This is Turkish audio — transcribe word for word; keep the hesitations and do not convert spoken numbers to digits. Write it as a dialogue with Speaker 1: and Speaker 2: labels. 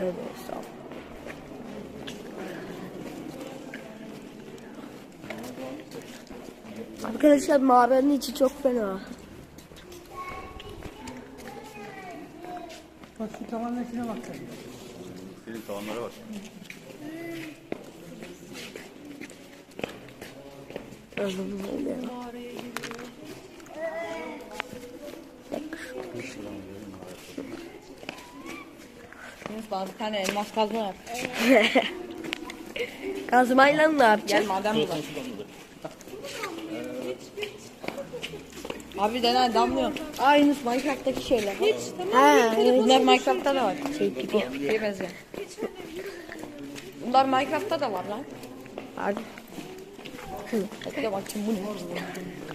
Speaker 1: Evet, sağ ol. Arkadaşlar mağaranın içi çok fena.
Speaker 2: Bak şu tavanın içine bak sen.
Speaker 3: Senin tavanlara bak.
Speaker 1: Anladım oluyor.
Speaker 4: Bana bir tane elmas kazma yap.
Speaker 1: Kazmayla ne
Speaker 4: Gel
Speaker 1: yapacağız?
Speaker 4: madem burada. Abi denen damlıyor. Aa Yunus Minecraft'taki şeyler. Hiç
Speaker 1: Ha, evet.
Speaker 4: Bunlar Minecraft'ta da var.
Speaker 1: Şey gibi.
Speaker 4: Şey benziyor. Bunlar Minecraft'ta da var lan.
Speaker 1: Hadi.
Speaker 4: Bekle bakayım bu ne?